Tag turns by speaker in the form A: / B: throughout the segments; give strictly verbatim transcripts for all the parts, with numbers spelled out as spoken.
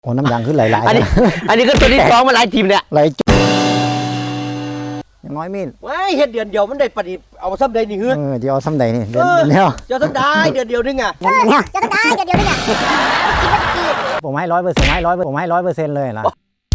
A: โอ้น้ำยางขึ้นหลายๆ
B: อันนี้อันนี้ก็ตัวที่สองมาหลายทีมเนี่ย
A: ไหลยังน้อยมีด
B: ว้ายเฮ็ดเดือนเดียวมันได้ปฏิเอาซ้ำใดนี่เฮ้ย
A: เออเดี๋ยวเอาซ้ำใดนี่เดี๋ยวเดี๋ยว
B: เจ้าซ้ำได้เดือนเดียวนึงอ่ะ
C: เออเนี่ยจะต้องได้เดี๋ยวเดียวนี่เนี่ย
A: ผมให้ร้อยเปอร์เซ็นต์ให้ร้อยผมให้ร้อยเปอร์เซ็นต์เลยล่ะ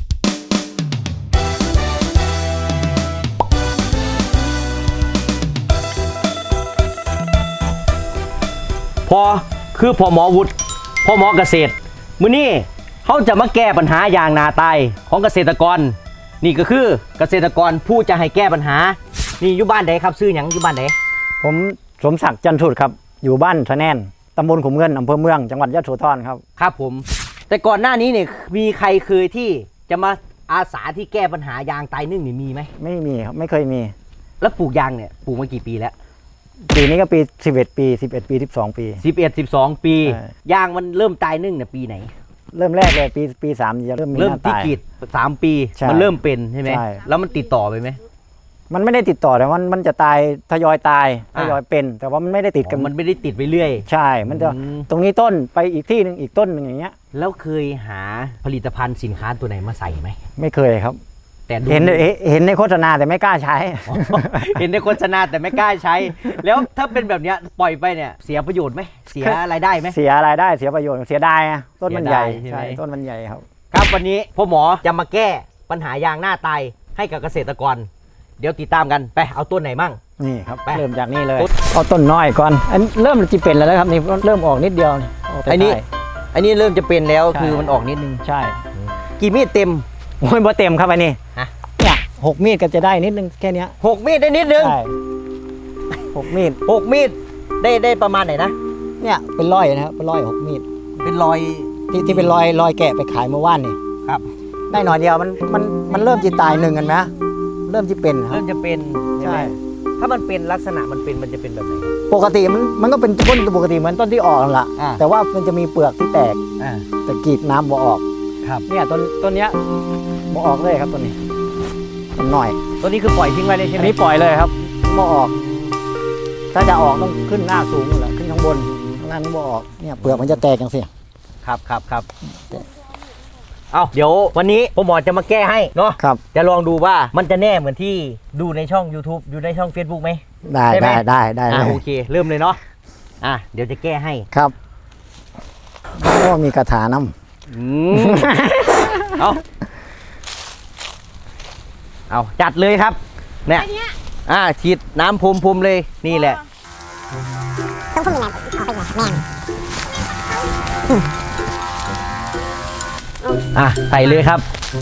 B: พอคือพอหมอวุฒิพอหมอเกษตรมื้อนี้เขาจะมาแก้ปัญหายางนาตายของเกษตรกรนี่ก็คือเกษตรกรผู้จะให้แก้ปัญหานี่อยู่บ้านไหนครับซื้อหยังอยู่บ้านไหน
A: ผมสมศักดิ์จันทรุดครับอยู่บ้านทะแนนตำบลขุมเงินอำเภอเมืองจังหวัดยะโสธรครับ
B: ครับผมแต่ก่อนหน้านี้เนี่ยมีใครเคยที่จะมาอาสาที่แก้ปัญหายางตายนึ่งนี่มีไหม
A: ไม่มีครับไม่เคยมี
B: แล้วปลูกยางเนี่ยปลูกมากี่ปีแล้ว
A: ปีนี้ก็ปีสิบเอ็ดปีสิบเอ็ดปีสิบสองปี
B: สิบเอ็ด สิบสองปี
A: ใช่
B: ยางมันเริ่มตายนึ่งเนี่ยปีไหน
A: เริ่มแรกเลยปีปีสามจะเริ่มมี
B: เริ่ม
A: หน้า
B: ที่
A: ตาย
B: กรีดสามปี
A: ใช่
B: มันเริ่มเป็นใช่ไหม
A: ใช่
B: แล้วมันติดต่อไปไหม
A: มันไม่ได้ติดต่อแต่มันมันจะตายทยอยตายท
B: อ่ะ
A: ยอยเป็น แต่ว่ามันไม่ได้ติดกัน
B: มันไม่ได้ติดไปเรื่อย
A: ใช่ มันจะ
B: อืม
A: ตรงนี้ต้นไปอีกที่หนึ่งอีกต้นหนึ่งอย่างเงี้ย
B: แล้วเคยหาผลิตภัณฑ์สินค้าตัวไหนมาใส่ไหม
A: ไม่เคยครับ
B: แต่ดู
A: เห็นเห็นเห็นในโฆษณาแต่ไม่กล้าใช้
B: อ๋อเห็นในโฆษณาแต่ไม่กล้าใช้ แล้วถ้าเป็นแบบเนี้ยปล่อยไปเนี่ยเสียประโยชน์ไหมเสียรายได้ไหม
A: เสียรายได้เสียประโยชน์เสียดายอะต้นมันใหญ่
B: เสียดายใช่ไหม
A: ใช่ต้นมันใหญ่ครับ
B: ครับวันนี้พ่อหมอจะมาแก้ปัญหายางหน้าตายให้กับเกษตรกร เดี๋ยวติดตามกันไปเอาต้นไหนมั่ง
A: นี่ครับ
B: ไป
A: เริ่มจากนี่เลย
B: ต้น
A: เอาต้นน้อยก่อนอันเริ่มจะเป็นแล้วนะครับนี่เริ่มออกนิดเดียวนี่ออกแต่
B: อันนี้
A: ท้าย
B: อันนี้เริ่มจะเป็นแล้ว
A: ใช่
B: คือมันออกนิดนึง
A: ใช่
B: กี่มีดเต็ม
A: โอ้ยบ่เต็มครับอันนี้
B: ฮะ
A: เนี่ยหกมีดก็จะได้นิดนึงแค่เนี้ย
B: หกมีดได้นิดนึง
A: ใช่หกมีด
B: หกมีดได้ได้ประมาณไหนนะ
A: เนี่ยเป็นร้อยนะครับเป็นร้อยหกมีด
B: เป็นรอย
A: ที่ที่เป็นรอยรอยแกะไปขายเมื่อวานนี่
B: ครับ
A: ได้หน่อยเดียวมันมันมันเริ่มจะตายหนึ่งกันไหมเริ่มจะเป็นครั
B: เริ่
A: บ
B: มจะเป็นใช่ไหม
A: ใช่
B: ถ้ามันเป็นลักษณะมันเป็นมันจะเป็นแบบไหน
A: ปกติมันมันก็เป็นต้นปกติเหมือนต้นที่ออกนั่นแหละ
B: อ่า
A: แต่ว่ามันจะมีเปลือกที่แตก
B: อ่า
A: แต่กรีดน้ำบ่ออก
B: ครับ
A: เนี่ยต้นต้นเนี้ยบ่ออกเลยครับต้นนี้ต้นหน่อย
B: ตัวนี้คือปล่อยทิ้งไว้เลยใช่
A: อั
B: ไห
A: น
B: ม
A: นี้ปล่อยเลยครับบ่ออก ถ้าจะออกต้องขึ้นหน้าสูงนั่นแหละขึ้นข้างบนข้างล่างนี่บ่ออกเนี่ยเปลือกมันจะแตกอย่างเสีย
B: ครับครับครับเอาเดี๋ยววันนี้พ่อหมอจะมาแก้ให้เนาะ
A: ครับ
B: จะลองดูว่ามันจะแน่เหมือนที่ดูในช่อง YouTube อยู่ในช่อง Facebook ไหม
A: ได้
B: ได้ไหม
A: ได้ได้ได้
B: อ่า
A: เลย
B: โอเค เริ่มเลยเนาะอ่ะเดี๋ยวจะแก้ให้
A: ครับโอ้มีกระถาน้ำ
B: อืม เอาเอาจัดเลยครับเนี่ยอ่าฉีดน้ำพรมพรมเลยนี่แหละ
C: ต้องพูดยังไงเอาไปไงแม่ง
B: อ่ะใส่เลยครับ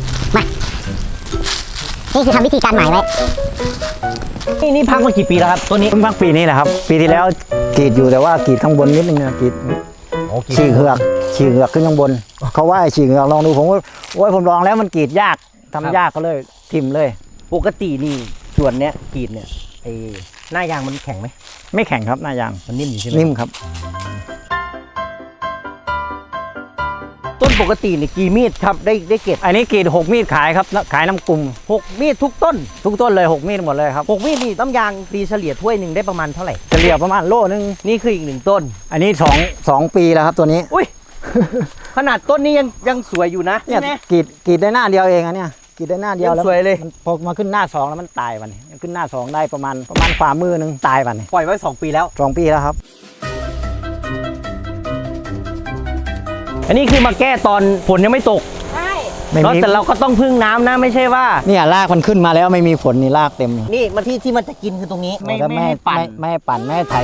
C: นี่คือทำวิธีการหมายไว้
B: นี่นี่พักมากี่ปีแล้วครับตัวนี้
A: เพิ่งพักปีนี้แหละครับ ปีที่แล้วกรีดอยู่แต่ว่ากรีดข้างบนนิดนึงนะกรีด
B: โอเค
A: ฉีกเหือกฉีกเหือกขึ้นข้างบน เขาว่าให้ฉีกเหือกลองดูผมว่าโอ้ยผมลองแล้วมันกรีดยากทำยากก็เลยทิมเลย
B: ปกตินี่ส่วนเนี้ยกรีดเนี่ยไอ้หน้ายางมันแข็งไหม
A: ไม่แข็งครับหน้ายาง
B: มันนิ่มอยู่ใช่ไหม
A: นิ่มครับ
B: ต้นปกตินี่กี่มีดครับได้ได้เก็บ
A: อันนี้กรีดหกมีดขายครับขายน้ำกลุ่ม
B: หกมีดทุกต้น
A: ทุกต้นเลยหกมีดหมดเลยครับ
B: หกมีดนี่น้ำยางตีเฉลี่ยถ้วยหนึ่งได้ประมาณเท่าไหร่
A: เฉลี่ยประมาณโลนึง
B: นี่คืออีกหนึ่งต้น
A: อันนี้สองสองปีแล้วครับตัวนี้
B: อุ้ย ขนาดต้นนี้ยังยังสวยอยู่นะ
A: เนี่ย
B: ใช่ไหม
A: กรีดกรีดได้หน้าเดียวเองอันเนี้ยกรีดได้หน้าเดียว
B: ยัง
A: แล้ว
B: สวยเลย
A: มันพอมาขึ้นหน้าสองแล้วมันตายวันนี้ขึ้นหน้าสองได้ประมาณประมาณฝ่ามือหนึงตายวันนี้
B: ปล่อยไว้สองปีแล้ว
A: สองปีแล้วครับ
B: อันนี้คือมาแก้ตอนฝนยังไม่ตก
C: ใช่
A: ไม่
B: เนอะ
A: มี
B: แต่เราก็ต้องพึ่งน้ำนะไม่ใช่ว่า
A: เนี่ยรากมันขึ้นมาแล้วไม่มีฝนนี่รากเต็มเลย
B: นี่มันที่ที่มันจะกินคือตรงนี้ ไม่
A: แล้ว
B: ไม่ให้ปั่น
A: ไม่ไม่ให้ปั่นไม่ให้ไถ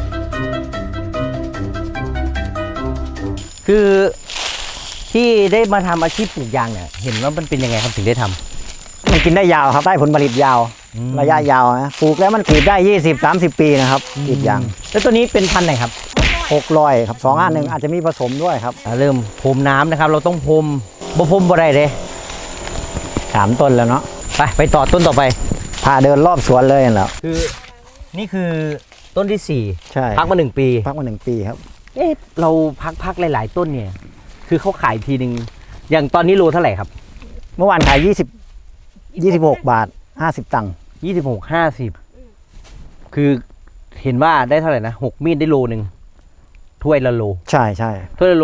B: คือที่ได้มาทำอาชีพปลูกยางเนี่ยเห็นว่ามันเป็นยังไงครับถึงได้ทำ
A: มันกินได้ยาวครับได้ผลผลิตยาว
B: อืม
A: ระยะยาวนะปลูกแล้วมันกรีดได้ยี่สิบ สามสิบปีนะครับกรีดยาง
B: แล้วตัวนี้เป็นพันธุ์ไหนครับ
A: หกร้อยครับสองอันหนึ่งอาจจะมีผสมด้วยครับ
B: อ่าเริ่มพรมน้ำนะครับ เราต้องพรมบ่พรมบ่ได้เลย
A: สามต้นแล้วเนาะ
B: ไปไปต่อต้นต่อไป
A: พาเดินรอบสวนเลยนั่นแหล้ว
B: คือนี่คือต้นที่สี่
A: ใช่
B: พักมาหนึ่งปี
A: พักมาหนึ่งปีครับ
B: เอ๊ะเราพักพักหลาย ๆ ต้นเนี่ย คือเขาขายทีหนึ่งอย่างตอนนี้โลเท่าไหร่ครับ
A: เมื่อวานขายยี่สิบ ยี่สิบหกบาทห้าสิบตังค์
B: ยี่สิบหกห้าสิบคือเห็นว่าได้เท่าไหร่นะหกมีดได้โลหนึ่งถ้วยละโล
A: ใช่ใช่
B: ถ้วยละโล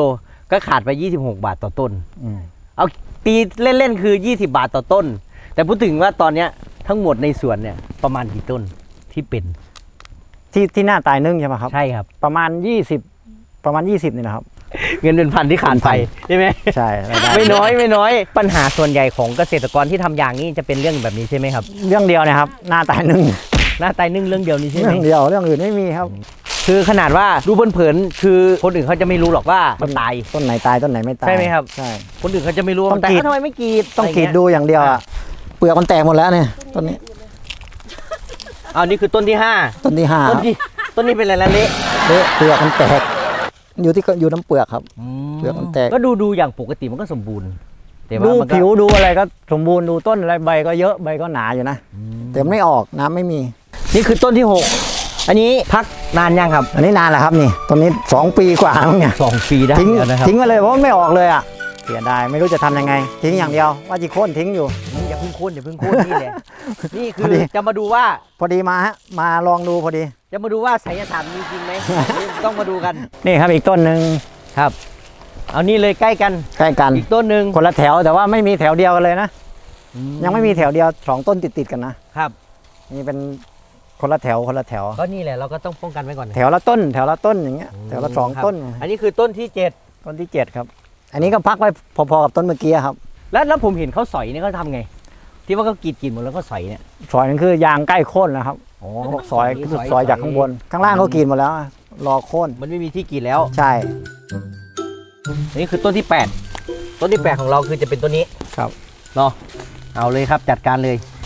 B: ก็ขาดไปยี่สิบหกบาทต่อต้น
A: อืม
B: เอาตีเล่นๆคือยี่สิบบาทต่อต้น แต่พูดถึงว่าตอนเนี้ยทั้งหมดในสวนเนี่ยประมาณกี่ต้นที่เป็น
A: ที่ที่หน้าตายนึ่งใช่ไหมครับ
B: ใช่ครับ
A: ประมาณยี่สิบประมาณยี่สิบนี่นะครับ
B: เงินเป็นพันที่ขาดไปใช่ไหม
A: ใช่รายได้
B: ไม่น้อยไม่น้อยปัญหาส่วนใหญ่ของเกษตรกรที่ทำยางนี่จะเป็นเรื่องแบบนี้ใช่ไหมครับ
A: เรื่องเดียวเนะครับ หน้าตายนึ่ง
B: หน้าตายนึ่งเรื่องเดียวนี้ใช่ไหม
A: เรื่องเดียวเรื่องอื่นไม่มีครับ
B: คือขนาดว่าดูเผินๆคือคนอื่นเขาจะไม่รู้หรอกว่ามันตาย
A: ต้นไหนตายต้นไหนไม่ตาย
B: ใช่ไหมครับ
A: ใช่
B: คนอื่นเขาจะไม่รู้ว่า
A: ต้
B: มั
A: อน ง
B: ตาย
A: กรีด
B: อ้าวทำไมไม่กรีด
A: ต้องกรีด
B: ะไรเย
A: ดูอย่างเดียวอะเปลือกมันแตกหมดแล้วเนี่ยต้นนี้
B: อ้าวนี่คือต้นที่ห้า
A: ต้นที่ห้า
B: ต้นที่ต้นนี้เป็นอะไรละเละ
A: เละเปลือกมันแตกอยู่ที่อยู่น้ำเปลือกครับ เปลือกมันแตก
B: ก็ดูดูอย่างปกติมันก็สมบูรณ์แต่ว่า
A: ดู
B: มันก็
A: ผิวดูอะไรก็สมบูรณ์ดูต้นอะไรใบก็เยอะใบก็หนาอยู่นะแต่มันไม่ออกน้ำไม่มี
B: นี่คือต้นที่หกอันนี้พักนานยังครับ
A: อันนี้นานแล้วครับนี่ต้นนี้สองปีกว่าแล้วเนี่ย
B: สองปีได้
A: ทิ้ง
B: แล้วนะครับ
A: ทิ้งไปเลยเพราะมันไม่ออกเลยอ่ะเสียดายไม่รู้จะทำยังไง ทิ้งอย่างเดียวว่าจีโค่นทิ้งอยู่
B: อย่าเพิ่งโค่นอย่าเพิ่งโค่นนี่แหละนี่คื
A: พอ
B: อ
A: ดี
B: จะมาดูว่า
A: พอดีมาฮะมาลองดูพอดี
B: จะมาดูว่าไสยศาสตร์มีจริงไหม นี่ต้องมาดูกัน
A: นี่ครับอีกต้นหนึ่ง
B: ครับ เอานี่เลยใกล้กัน
A: ใกล้กัน
B: อีกต้นหนึ่ง
A: คนละแถวแต่ว่าไม่มีแถวเดียวกันเลยนะยังไม่มีแถวเดียวสองต้นติดติดๆกันนะครับ นี่เป็นคนละแถวคนละแถว
B: ก็นี่แหละเราก็ต้องป้องกันไว้ก่อนนะ
A: แถวละต้น แถวละต้นอย่างเงี้ยแถวละสอง
B: ครับ
A: ต้น
B: อันนี้คือต้นที่เจ็ด
A: ต้นที่เจ็ดครับ อันนี้ก็พักไว้พอๆกับต้นเมื่อกี้ครับ
B: แล้วแล้วผมเห็นเขาสอยเนี่ยเขาทำไง ที่ว่าเขากรีดกรีดหมดแล้วก็สอยเนี่ย
A: ซอยนั่นคือยางใกล้โค่นแล้วครับ
B: อ๋อ
A: เขาบอกซอยซอยจากข้างบน ข้างล่างเขากรีดหมดแล้วอะรอโค่น
B: มันไม่มีที่กรีดแล้ว
A: ใช่
B: อันนี้คือต้นที่แปดต้นที่แปดของเราคือจะเป็นต้นนี้
A: ครับ
B: เนาะเอาเลยครับจัดการเลย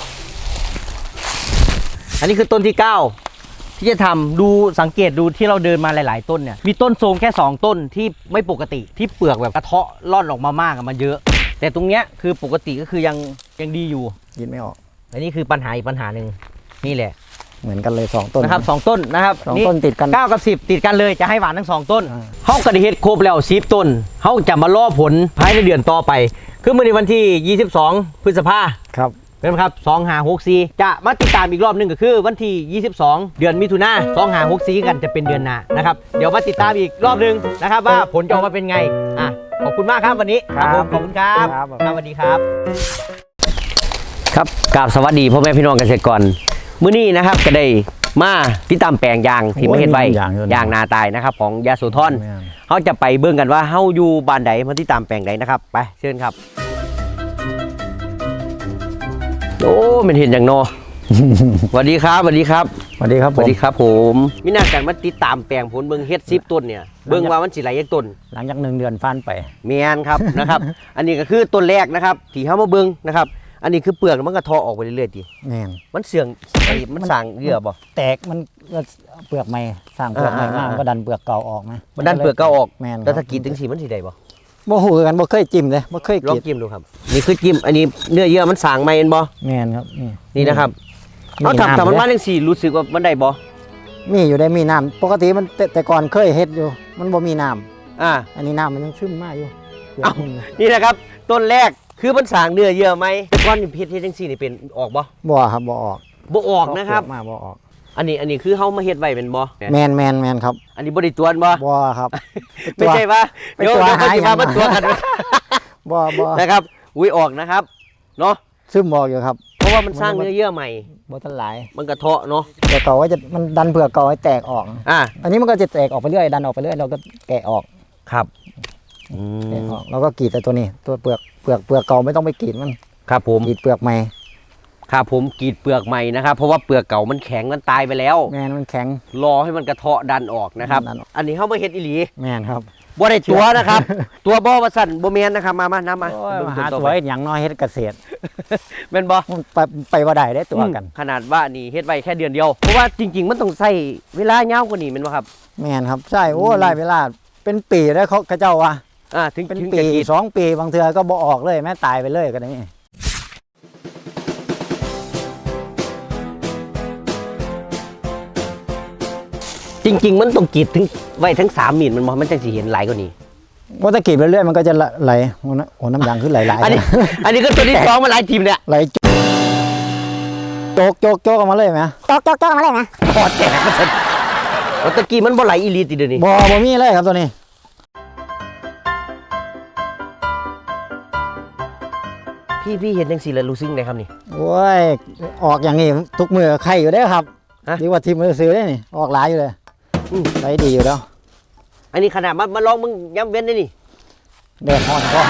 B: อันนี้คือต้นที่เก้าที่จะทำดูสังเกตดูที่เราเดินมาหลาย ๆ ต้นเนี่ยมีต้นโทรมแค่สองต้นที่ไม่ปกติที่เปลือกแบบกระเทาะร่อนออกมามากอะมันเยอะ แต่ตรงเนี้ยคือปกติก็คือยังยังดีอยู่
A: กินไม่ออก
B: อันนี้คือปัญหาอีกปัญหาหนึ่งนี่แหละ
A: เหมือนกันเลยสองต้น
B: นะครับสองต้นนะครับ
A: สองต้นติดกัน
B: เก้ากับสิบติดกันเลยจะให้หวานทั้งสองต้น
A: อ่า
B: เขากระดิเฮ็ดครบแล้วสิบต้นเขาจะมาล่อผลภายในเดือนต่อไป คือเมื่อในวันที่ยี่สิบสองพฤษภา
A: ครับ
B: เป็นครับสองห้าหกสี่จะมาติดตามอีกรอบหนึงก็คือวันที่ยี่สิบสองเดือนมิถุนาสองห้าหกสี่กันจะเป็นเดือนหน้านะครับเดี๋ยวมาติดตามอีกรอบหนึงนะครับว่าผลจะออกมาเป็นไงอ่ะขอบคุณมากครับวันนี้ครับผมขอบคุณครับ
A: ครับ
B: ครับสวัสดีครับ ครับกราบสวัสดีพ่อแม่พี่น้องเกษตรกรมื้อนี้นะครับก็ได้มาติดตามแปลงยางที่ไม่เห็นใบ
A: โอ้ยยางเยอะนะ
B: ยางนาตายนะครับของยาโสธร
A: แม่น
B: เขาจะไปเบิ่งกันว่าเฮาอยู่บ้านใดมาติดตามแปลงใดนะครับไปเชิญครับโอ้มันเห็นอย่างโน สวัสดีครับสวัสดีครับ
A: สวัสดีครับ
B: ส
A: ผ
B: วัส
A: ม
B: ดีครับผมมีหน้ากันมาติดตามแปลงผลเบิ่งเฮ็ดสิบต้นเนี่ยเบิ่งว่ามันสิไหลยักต้น
A: หลังจากหนึ่งเดือนฟันไป
B: เมียนครับ นะครับ อันนี้ก็คือต้นแรกนะครับที่เฮามาเบิ่งนะครับอันนี้คือเปลือกมันก็ทอออกไปเรื่อยๆที
A: แม่น
B: มันเสื่องไอ้มันสร้างเยื่อบ่
A: แตกมันก็เปลือกใหม่สร้างเปลือกใหม่
B: อ่า
A: มา
B: อ่า
A: มันก็ดันเปลือกเก่าออกไหม
B: มันดันเปลือกเก่าออก
A: แม่น
B: แล้วถ้ากรีดถึงสีมันสิได้บ่
A: บ่หูกันบ่เคยจิ้มเลยบ่เคย
B: ลอง
A: กรีด
B: จิ้มดูครับนี่คือจิ้มอันนี้เนื้อเยื่อมันสร้างใหม่เห็นบ่
A: แม่นครับนี่
B: นี่นะครับ
A: มี
B: เอาถ้า
A: น้ำ
B: ถ้ามัน
A: เด้
B: มาจังซี่รู้สึกว่ามันได้บ่
A: มีอยู่ได้มีน้ำปกติมันแต่แต่ก่อนเคยเฮ็ดอยู่ มันบ่มีน้ำ
B: อ่า
A: อันนี้น้ำมันยังซึมมากอยู่เปลือก
B: เอ้า
A: มัน
B: นี่นะครับ ต้นแรกคือมันสร้างเนื้อเยื่อไหมแต่ก่อนนี่เพชรเฮ็ดจังซี่นี่เป็นออกบ่
A: บ่ครับบ่ออก
B: บ่ออกนะครับ
A: เปลือกมาบ่ออก
B: อันนี้อันนี้คือเฮามาเฮ็ดไว้เป็นบ่
A: แมนแมนแมนครับ
B: อันนี้บ่ได้ตวนบ่
A: บ่ครับ
B: ไม่ใช่ว่า
A: ไป
B: เดี๋ยว
A: ตัว
B: เดี๋ยวเขาสิ
A: หา
B: มา
A: อย่าง
B: มาตัวกัน
A: บ่บ่
B: นะครับอุ้ยออกนะครับเนาะ
A: ซึมออกอยู่ครับ
B: เพราะว่ามันสร้างเนื้อเยื่อใหม่
A: บ่ทันหลาย
B: มันกระเทาะเนาะ
A: แต่เก่าว่าจะมันดันเปลือกเก่าให้แตกออก
B: อ่า
A: อันนี้มันก็จะแตกออกไปเรื่อยดันออกไปเรื่อยเราก็แกะออก
B: ครับอื
A: แกะ
B: ม
A: ออกเราก็กรีดแต่ตัวนี้ ตัวเปลือกเปลือกเปลือกเก่าไม่ต้องไปกรีดมัน
B: ครับผม
A: กรีดเปลือกใหม่
B: ครับผมกรีดเปลือกใหม่นะครับ เพราะว่าเปลือกเก่ามันแข็งมันตายไปแล้ว
A: แมนมันแข็ง
B: รอให้มันกระเทาะดันออกนะครับ
A: ดันออก
B: อันนี้เขามาเฮ็ดอีหลี
A: แมนครับ
B: บ่ได้ตัวนะครับ ตัวบ่ว่าสั่นบ่แม่นนะครับมามาน้ำมา
A: โอ้ย
B: เบิ่ง
A: มาหา
B: ต่อ
A: ตัว
B: ไป
A: เฮ็ดหยังน้อยเฮ็ดเกษตร
B: แม่นบ่
A: มันไปไปว่าได้ได้ตัวกัน
B: ขนาดว่านี่เฮ็ดไว้แค่เดือนเดียวเพราะว่าจริง ๆ มันต้องใช้เวลายาวกว่านี้แม่นบ่ครับ
A: แมนครับใช่โอ้หลายเวลาเป็นปีได้เขาเขาเจ้าว่า
B: อ่าถึง
A: เป็น
B: ถึง
A: ปี
B: จะกรีด
A: สองปีบางเทือก็บ่ออกเลยแม่ตายไปเลยก็ได้นี่
B: จริง ๆ มันต้องกรีดถึงไว้ทั้งสามมีดมันบ่มันจังสิเห็นหลายกว่านี้
A: ว่าถ้ากรีดไปเรื่อยมันก็จะไหลโอ้น้ำโอ้น้ำยางขึ้นไหลไหล
B: อันนี้ อันนี้ก็ตัวที่สองมาหลายทีมเนี่ย
A: ไหลโจกโจกโจกออกมาเลยไหม
C: โจ๊กโจ๊กโจ๊กออกมาเลยนะ
B: พอแตกมันจะโอ้ตะกี้มันบ่ไหลอีหลีติเดี๋ยวนี้
A: บ่บ่มีเลยครับตัวนี้
B: พี่พี่เห็นจังซี่แล้วรู้สึกไงครับนี่
A: โอ้ยออกอย่างนี้ทุกมือไข่อยู่ได้อครับ
B: ฮะ
A: ดีกว่าทีมมือซื้อได้นี่ออกหลายอยู่เลย
B: อืม
A: ใช้ดีอยู่แล้ว
B: อันนี้ขนาดมามาลองมึงย้ำเว้นได้นี่
A: แดดฮ้อนก็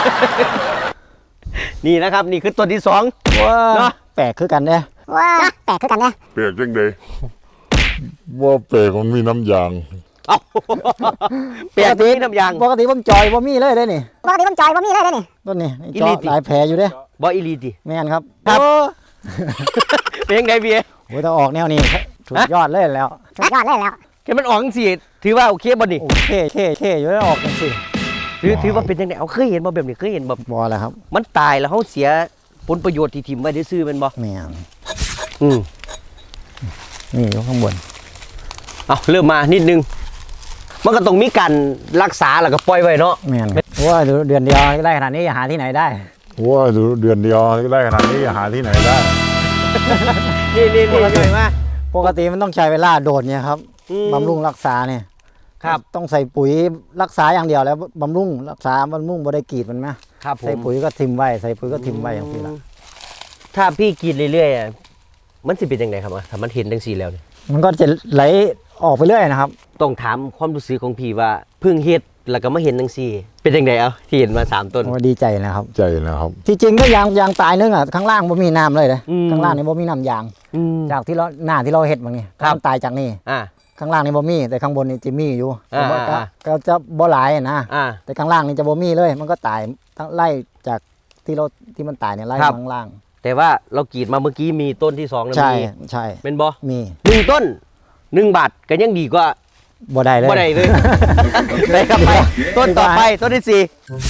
B: นี่นะครับนี่คือตัวที่สอง
A: ว้า
B: เนาะ
A: แปลกคือกันเด้อ
C: ว้าแปลกคือกันเนี่ย
D: เปียกจังเลยว่าเปียกมันมีน้ำยาง
B: เอาเปลี่ยนที่น้ำยาง
A: ปกติผมจอยบ่มีเลยได้อนี่
C: ปกติผมจอยผมมีเลยเด้อนี่
A: ต้นนี้นี่
B: อี
A: เจาะ
B: หลีติ
A: หลายแผลอยู่เด้อ
B: บ่อีหลีติ
A: แม่นครับ
B: ครับ
A: โอ้
B: เป็นยังไงพี่
A: โหถ้าออกแนวนี้สุดยอดเลยแล้ว
C: สุดยอดเลยแล้ว
B: แค่มันออกจังซี่ถือว่าโอเคบ่นี่
A: โอเคเคเคอยู่แล้วออกจังซี่
B: ถือถือว่าเป็นจังได๋เอาเคยเห็นบ่แบบนี้เคยเห็นบ่
A: บ่แล้วครับ
B: มันตายแล้วเฮาเสียผลประโยชน์ที่ถิ่มไว้ซื่อๆแม่นบ่
A: แม่น
B: อืม
A: นี่อยู่ข้างบน
B: เอาเริ่มมานิดนึงมันก็ต้องมีการรักษาแล้วก็ปล่อยไว้เนาะ
A: แม่นเพราะว่าเดือนเดียวได้ขนาดนี้หาที่ไหนได้
D: ว่าเดือนเดียวได้ขนาดนี้หาที่ไหนได้
B: นี่นี่นี่หน่อยมา
A: ปกติมันต้องใช้เวลาโดดเนี่ยครับ
B: อืม
A: บำรุงรักษาเนี่ย
B: ครับ
A: ต้องใส่ปุ๋ยรักษาอย่างเดียวแล้วบำรุงรักษาบำรุงบ่ได้กรีดมันไหม
B: ครับผม
A: ใส่ปุ๋ยก็ทิมไว้ใส่ปุ๋ยก็ทิมไว้อย่างนี้ละ
B: ถ้าพี่กรีดเรื่อยๆอะมันสิเป็นยังไงครับอะถ้ามันเห็นจังซี่แล้วเนี่ย
A: มันก็จะไหลออกไปเรื่อยนะครับ
B: ต้องถามความรู้สึกของพี่ว่าเพิ่งเฮ็ดแล้วก็มาเห็นจังซี่ เป็นจังไดเอาที่เห็นมาสามต้น
A: โอ้ดีใจนะครับ
D: ใจนะครับ
A: ที่จริงก็ยางยางตายนึงอ่ะข้างล่างบ่มีน้ำเลยเลย
B: อืม
A: ข้างล่างนี่บ่มีน้ำยาง
B: อืม
A: จากที่เราหน้าที่เราเฮ็ดบางนี่
B: ครับ
A: มันตายจากนี่
B: อ่า
A: ข้างล่างนี่บ่มีแต่ข้างบนนี่จะมีอยู่
B: อ่า
A: แต่ว่าก็
B: อ่า
A: ก็จะบ่หลายอะนะ
B: อ่า
A: แต่ข้างล่างนี่จะบ่มีเลย มันก็ตายทั้งไล่จากที่เราที่มันตายเนี่ยไล่
B: ครับ
A: ข้างล่าง
B: แต่ว่าเรากรีดมาเมื่อกี้มีต้นที่สองแล้ว
A: ใช่
B: มี
A: ใช่
B: เป็นบ่
A: มี
B: หนึ่งต้นหนึ่งบาทก็ยังดีกว่า
A: บ่ได้เลย
B: บ่ได้เลย ไปครับไปต้นต่อไปต้นที่สี่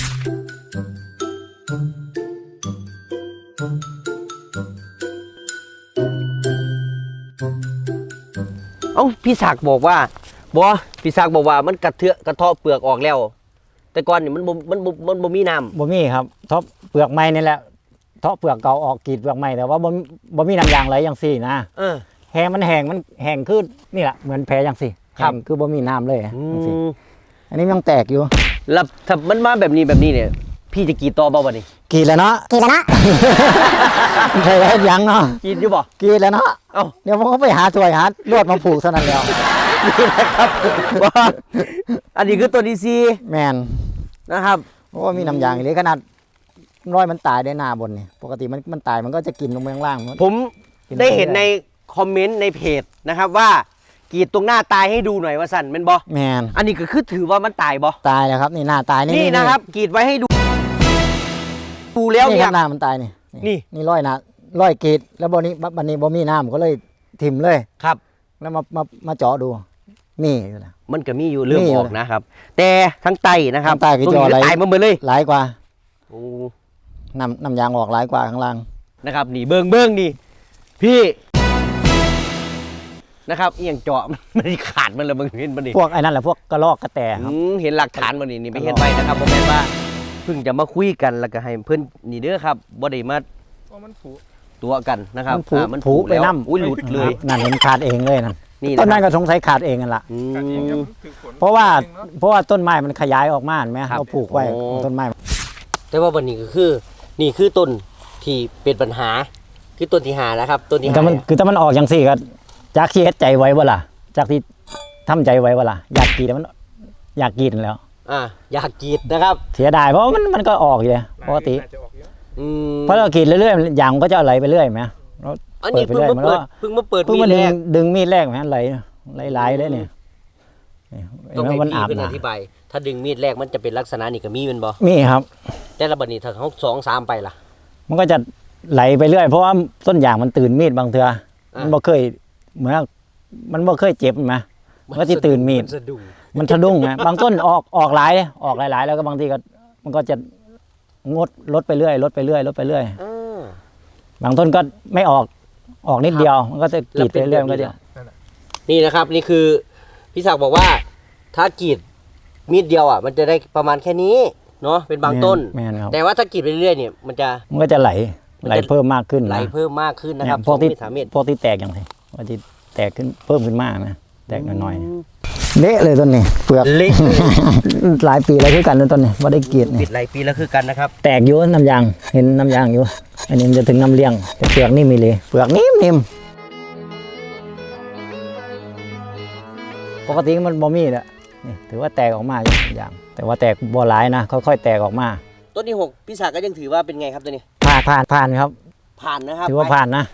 B: เอ้าพี่ศักดิ์บอกว่าบ่พี่ศักดิ์บอกว่ามันกระเทือะกระเทาะเปลือกออกแล้ว แต่ก่อนนี่มันบ่มันบ่มันบ่มีน้ำ
A: บ่มีครับทบเปลือกไม้นี่แหละเทาะเปลือกเก่าออกกรีดเปลือกไม้แต่ว่าบ่บ่มีน้ำยางไหลอย่างซี่นะ
B: เออ
A: แห้งมันแห้งมันแห้งคือนี่แหละเหมือนแผลอย่างซี่
B: ครับ
A: แห้งคือบ่มีน้ำเลย
B: อื
A: จังซี่
B: ม
A: อันนี้มันยังแตกอยู่
B: แล้วถ้ามันมาแบบนี้แบบนี้เนี่ย พี่จะกรีดต่อบ่บัดนี้
A: กรีดแล้วเนาะ
C: กี่แล้วนะ
A: ใช่เฮ็ดหยังเนาะ
B: กรีดอยู่บ่
A: กรีดแล้วเนาะ
B: เอ้า
A: เดี๋ยวผมก็ไปหาถ้วยหาลวดมาผูกเท่านั้นแล้ว
B: นี่นะครับว่าอันนี้คือตัวที่สี่
A: แมน
B: นะครับ
A: เพราะว่ามีน้ำยางอีกเลยขนาดร้อยมันตายได้หน้าบนนี่ปกติมันมันตายมันก็จะกินลงไปข้างล่าง
B: ผม
A: กิน
B: ได้เห็น
A: ไปเรื่อย
B: ในคอมเมนต์ในเพจนะครับว่ากรีดตรงหน้าตายให้ดูหน่อยว่าสั่นเป็นบอ
A: แมน
B: อันนี้ก็คือถือว่ามันตายบอ
A: ตายแล้วครับนี่หน้าตายนี่
B: นี่นะครับกรีดไว้ให้ดูดูแล้ว
A: นี่
B: เนี่
A: ค
B: ย
A: รับหน้ามันตายนี่
B: นี่
A: นี่ร้อยหน้าร้อยกรีดแล้วบนนี้บันนี้บ่มีน้ำก็เลยถิ่มเลย
B: ครับ
A: แล้วมามามาเจาะดูมีอยู่นะ
B: มันก็มีอยู่เริ่ม
A: มีอยู่
B: ออกนะครับ แต่ทั้งไตนะครับ
A: ทั้งไตคือ
B: ตรง
A: จอ
B: นี้
A: อะไร
B: ตายมาหมดเลย
A: หลายกว่า
B: โอ้
A: น้ำน้ำยางออกหลายกว่าข้างล่าง
B: นะครับนี่เบิ้งเบิ้งนี่พี่นะครับอหย่างเจาะ มันขาดมันเลยมึงเห็นมันนี่
A: พวกไอ้นั่นแหละพวกกระรอกกระแตครับ
B: อืมเห็นหลักฐานมันนี่นี่ไม่เห็นไปนะครับผมแม่นว่าเพิ่งจะมาคุยกันแล้วก็ให้เพื่อนนี่เด้อครับบ่ได้มาตัวกันนะครับ
A: มันผู
B: อ่ามัน
A: ผูไป
B: แล้ว
A: น้ำ
B: อุ้ยหลุดเลย
A: นั่นเห็นขาดเองเลยนั่น
B: นี่
A: ต้น
B: นะ
A: นั้น
B: ครับ
A: ก็สงสัยขาดเองกันละ
B: อืม
A: เพราะว่าเพราะว่าต้นไม้มันขยายออกมาเห็นไหม
B: ครับ
A: เราปลูกไว้
B: โอ้
A: ต้นไม้
B: แต่ว่าวันนี้ก็คือ นี่คือต้นที่เป็นปัญหา คือต้นที่หานะครับต้นที่
A: แต่
B: หา
A: มันคือถ้ามันออกอย่างสี่ก็จากที่เฮ็ดใจไว้บ่ล่ะจากที่ทำใจไว้บ่ล่ะอยากกรีดแต่มันอยากกรีดนั่นแหล้ว
B: อ่าอยากกรีดนะครับ
A: เสียดายเพราะว่ามันมันก็ออกอยู่เลยปกติ
B: อืม
A: เพราะเรากรีดเรื่อยๆยางมันก็จะไหลไปเรื่อยไหมเรา
B: อันนี้
A: เปิ
B: เพิ่
A: ด
B: ง
A: ไป
B: มา
A: เรื่อย
B: เปิดเพิ่งมาเปิด
A: เพิ่ง
B: มี
A: มา
B: ด
A: ดึ
B: แรง
A: ดึงมีดแรกไหมไหลไหลๆเลยเนี่ยนี่
B: ต้องให้
A: มัน
B: พี่
A: อาบ
B: เพิ่นอ
A: นะ
B: ธิบายถ้าดึงมีดแรกมันจะเป็นลักษณะนี่ก็มีแมันบ่
A: มีครับ
B: แต่ละบัดนี้ถ้าเขาสองสามไปล่ะ
A: มันก็จะไหลไปเรื่อยเพราะว่าต้นยางมันตื่นมีดบางเทือ
B: อ่ามั
A: มันบ่เคยเหมือนมันบ่เคยเจ็บไหมมันก็จะตื่นมีด
B: สะดุ้ง
A: มันสะดุ้งไงบางต้นออกออกหลายออกหลายๆ แล้วก็บางทีก็มันก็จะงดลดไปเรื่อยลดไปเรื่อยลดไปเรื่อย
B: อ่า
A: บางต้นก็ไม่ออกออกนิดเดียว มันก็จะกรีดไปเรื่อยมันก็จะ
B: นี่นะครับนี่คือพี่ศักดิ์บอกว่าถ้ากรีดมีดเดียวอ่ะมันจะได้ประมาณแค่นี้เนาะเป็นบางต้น
A: แม่นครับ
B: แต่ว่าถ้ากรีดไปเรื่อยๆเนี่ยมันจะ
A: มันก็จะไหล
B: มันจะ
A: ไหลเพิ่มมากขึ้น
B: ไหล
A: นะ
B: เพิ่มมากขึ้นนะครับ
A: เนี่ยพวกที่
B: สองเมตรสามเมตร
A: พวกที่แตกอย่างไรพวกที่แตกขึ้นเพิ่มขึ้นมากนะ
B: อ
A: แตกน้อยๆเละเลยต้นนี้เปลือก
B: เละเลย
A: หลายปีแล้วคือกันเลยต้นนี้ว่าได้เกียรติ
B: ปิ
A: นี่
B: ดหลายปีแล้วคือกันนะครับ
A: แตกอยู่น้ำยางเห็นน้ำยางอยู่ อันนี้มันจะถึงน้ำเลี้ยงแต่เปลือกนี่มีเลยเปลือกนิ่มนิ่มปกติมันบ่มีแหละนี่ถือว่าแตกออกมาอยู่อย่างแต่ว่าแตกบ่หลายนะค่อยๆแตกออกมา
B: ต้นที่หกพี่ศักดิ์ก็ยังถือว่าเป็นไงครับตัวนี้
A: ผ่านผ่านผ่านครับ
B: ผ่านนะครับ
A: ถือว่าผ่านนะ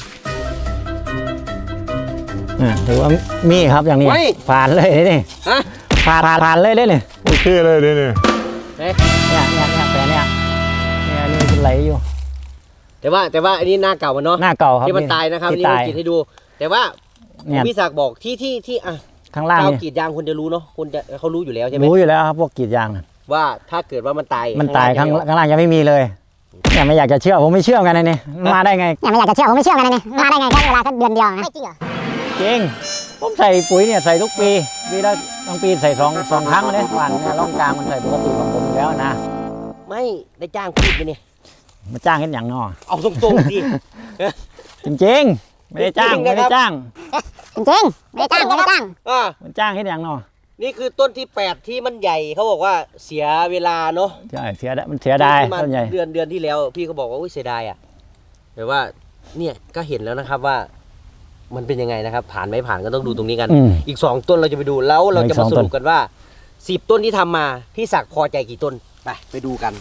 A: อ่าถือว่ามีครับอย่างนี้ผ่านเลยนี่
B: ฮะ
A: ผ่านผ่านผ่านเลยได้เลย
D: โอเคเลยเด้เนี่ย
B: เอ๊ะ
A: เนี่ยเนี่ยเนี่ยแต่เนี่ยเนี่ยอันนี้เป็นไหลอยู่
B: แต่ว่าแต่ว่าอันนี้หน้าเก่ามันเนาะ
A: หน้าเก่าครับ
B: ที่มันตายนะครับ
A: ที่
B: นี่
A: ตา
B: ผม
A: ย
B: กรีดให้ดู แต่ว่า
A: เนี่ย
B: พี่ศักดิ์บอกที่ที่ที่อ่ะ
A: ข้างล่าง
B: เจ้า
A: นี่
B: กรีดยางคนจะรู้เนาะคนจะเขารู้อยู่แล้วใช่ไหม
A: รู้อยู่แล้วครับพวกกรีดยางน่ะ
B: ว่าถ้าเกิดว่ามันตาย
A: มันตายข้าง
B: ล่
A: ข้างล่างยังไม่มีเลยเนี่ยไม่อยากจะเชื่อผมไม่เชื่อกันนะนี่มาได้ไง
C: เนี่ยไม่อยากจะเชื่อผมไม่เชื่อกันนะเนี่ยมาได้ไงแค่เวลาแค่เดือนเดียวนะไม่จริงเหรอ
A: จริงผมใส่ปุ๋ยเนี่ยใส่ทุกปีปีละบางปีใส่สองสองครั้งเลยหวานเนี่ยร่องกลางมันใส่ปกติของผมอยู่แล้วนะ
B: ไม่ได้จ้างพูดไปเนี่ย
A: มาจ้างเห็นอย่างนอ
B: เอาตรงๆสิ
A: จริงๆไม่ได้จ้าง
B: จริงๆนะครับ
A: ไม่ได้จ้าง
C: จริงๆไม่ได้จ้างไม่ได้จ้าง
B: อ่ะ
A: มันจ้างเห็นอย่างนอ
B: นี่คือต้นที่แปดที่มันใหญ่เขาบอกว่าเสียเวลาเนาะ
A: ใช่เสียดายมันเสียดาย
B: ที่มา
A: ต้นใหญ่
B: เดือนเดือนที่แล้ว พี่ก็บอกว่าอุ้ยเสียดายอ่ะแต่ว่าเนี่ยก็เห็นแล้วนะครับว่า มันเป็นยังไงนะครับ ผ่านไม่ผ่านก็ต้องดูตรงนี้กัน
A: อืม
B: อีกสองต้นเราจะไปดูแล้วเราจะ
A: อีกส
B: มา
A: อง
B: ส
A: ต้น
B: รุปกันว่าสิบต้นที่ทำมาพี่ศักดิ์พอใจกี่ต้นไปไปดูกัน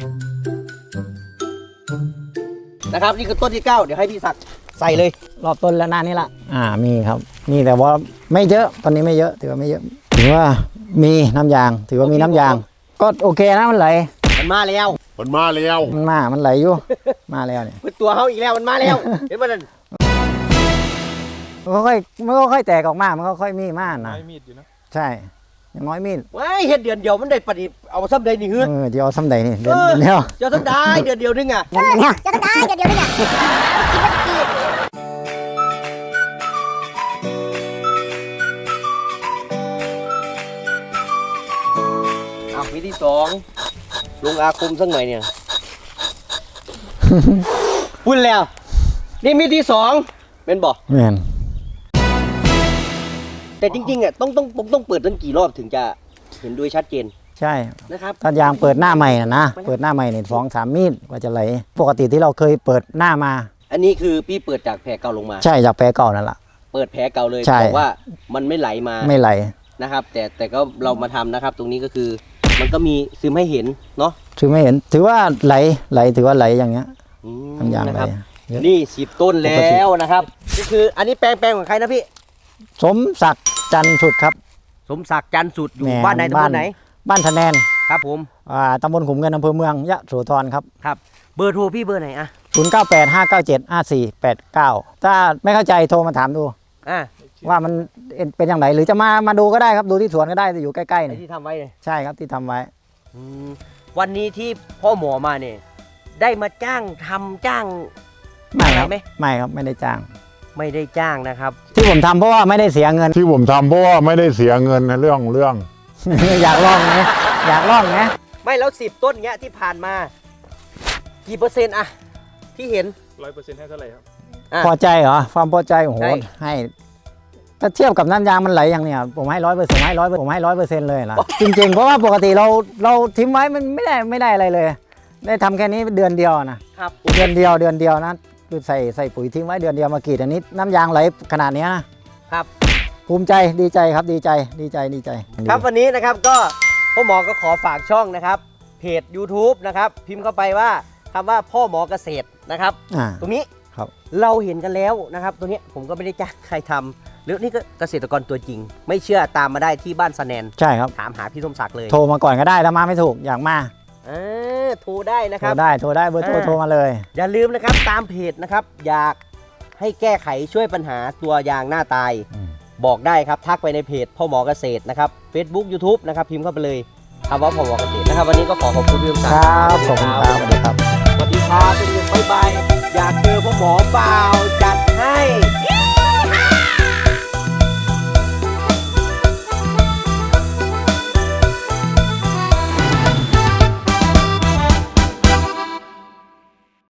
B: นะครับนี่คือต้นที่เก้าเดี๋ยวให้พี่ศักดิ์ใส่เลย
A: รอบต้นแล้วหน้านี้ละอ่ามีครับมีแต่ว่าไม่เยอะตอนนี้ไม่เยอะถือว่าไม่เยอะถือว่ามีน้ำยาง ถือว่ามีน้ำยาง ก็โอเคนะมันไหล
B: มันมาแล้ว
D: มันมาแล้ว
A: มันมามันไหลอยู่ มาแล้วเนี่ย
B: เป็นตัวเขาอีกแล้วมันมาแล้ว เห็นไหมนั่น
A: มันก็ค่อยมันก็ค่อยแตกออกมามันก็ค่อยมีมากนะ
E: มีดอยู่นะ
A: ใช่อย่างน้อยมีด
B: ว้ายเห็ดเดือนเดียวมันได้ปฏิเอาซ้ำใดนี่เฮ้ย
A: เออเดี๋ยวเอาซ้ำใดนี่เดือน
B: เออ
A: เดียว
B: เจ้าซ้ำได้เดือนเดียวนึงอ่ะ
C: เออเนี่ยจะต้องได้เดี๋ยวเดี๋ยวนี่เนี่ย
B: เอาวิธีสองลงอาคมสักหน่อยเนี่ย พูดแล้ว นี่มีที่สองเป็นบอก
A: แม่น
B: แต่จริงๆอ่ะต้องต้องต้องต้องเปิดตั้งกี่รอบถึงจะเห็นโดยชัดเจน
A: ใช่
B: นะครับ
A: ถ้ายางเปิดหน้าใหม่นะนะเปิดหน้าใหม่เนี่ยสองสามมีดกว่าจะไหลปกติที่เราเคยเปิดหน้ามา
B: อันนี้คือพี่เปิดจากแผลเก่าลงมา
A: ใช่จากแปรเก่านั่นแหละ
B: เปิดแผลเก่าเลย
A: ใช่
B: บอกว่ามันไม่ไหลมา
A: ไม่ไหล
B: นะครับ แต่แต่ก็เรามาทำนะครับ ตรงนี้ก็คือมันก็มีซึมให้เห็นเนาะ
A: ถือไม่เห็นถือว่าไหลไหลถือว่าไหลอย่างเงี้ย
B: อืม
A: น้ำยาง
B: นะ
A: ไหล
B: ครับ
A: เยอะ
B: นี่สิบต้น
A: ปกติ
B: แล้วนะครับนี่คืออันนี้แปลงแปลงของใครนะพี่
A: สมศักดิ์จันทร์สุดครับ
B: สมศักดิ์จันทร์สุดอยู่
A: แหม่
B: บ้านไหนตำบ
A: บ้าน
B: ลไหน
A: บ้านทะแนน
B: ครับผม
A: อ่าตำบลขุมเงินอำเภอเมืองยะโสธรครับ
B: ครับเบอร์โทรพี่เบอร์ไหนอะ
A: ศูนย์ เก้า แปด ห้า เก้า เจ็ด ห้า สี่ แปด เก้า ถ้าไม่เข้าใจโทรมาถามดู
B: อ่ะ
A: ว่ามันเป็นอย่างไรหรือจะมามาดูก็ได้ครับดูที่สวนก็ได้อยู่ใกล้ๆ
B: ไอ้
A: นี่
B: ที่ทำไว้เลย
A: ใช่ครับที่ทำไว้
B: อืมวันนี้ที่พ่อหมอมาเนี่ยได้มาจ้างทำจ้าง
A: ไม่ครับ
B: อะไรไหม
A: ไม่ครับไม่ได้จ้าง
B: ไม่ได้จ้างนะครับ
A: ที่ผมทำเพราะว่าไม่ได้เสียเงิน
D: ที่ผมทำเพราะว่าไม่ได้เสียเงินในเรื่องเรื่อง
A: อยากลองไหมอยากลองไหม
B: ไม่แล้วสิบต้นเงี้ยที่ผ่านมา กี่เปอร์เซ็นต์อะที่เห็น
E: ร้อยเปอร์เซ็นต์ให้เท่าไหร่ครับ
B: อ่ะ
A: พอใจเหรอความพอใจโอ้โห
B: ใช่
A: ให้ถ้าเทียบกับน้ำยางมันไหลอย่างเนี้ยผมให้ร้อยเปอร์เซ็นต์ให้ร้อยผมให้ร้อยเปอร์เซ็นต์เลยล่ะจริงๆเพราะว่าปกติเราเราทิ้งไว้มันไม่ได้ไม่ได้อะไรเลย ได้ทำแค่นี้เดือนเดียวนะครับ เดือนเดียวเดือนเดียวนะคือใส่ใส่ปุ๋ยทิ้งไว้เดือนเดียวมากรีดอันนี้น้ำยางไหลขนาดเนี้ยนะครับ ภูมิใจดีใจครับดีใจดีใจดีใจ
B: ครับวันนี้นะครับก็พ่อหมอก็ขอฝากช่องนะครับเพจ YouTube นะครับพิมพ์เข้าไปว่าคำว่าพ่อหมอเกษตรนะครับ
A: อ่า
B: ตรงนี้
A: ครับ
B: เราเห็นกันแล้วนะครับตัวเนี้ยผมก็ไม่ได้จ้างใครทำหรือนี่ก็เกษตรกรตัวจริง ไม่เชื่อตามมาได้ที่บ้านสะแนน
A: ใช่ครับ
B: ถามหาพี่สมศักดิ์เลย
A: โทรมาก่อนก็ได้ถ้ามาไม่ถูกอยากมา
B: เออโทรได้นะ
A: โท
B: ครั
A: ร
B: บ
A: ได้โทรได้เบอร์โทร
B: อ่า
A: โทรมาเลย
B: อย่าลืมนะครับตามเพจนะครับ อยากให้แก้ไขช่วยปัญหาตัวยางหน้าตาย
A: อืม
B: บอกได้ครับทักไปในเพจพ่อหมอเกษตรนะครับ Facebook YouTube นะครับพิมพ์เข้าไปเลยคำว่าพ่อหมอเกษตรนะครับ วันนี้ก็ขอขอบคุณพี่สมศัก
A: ค
B: ดิ์
A: รับขอบคุณครับสวัสดีครับ
B: สวัสดีครับเป็นยังบ๊ายบายอยากเจอพ่อหมอเปล่าจัดให้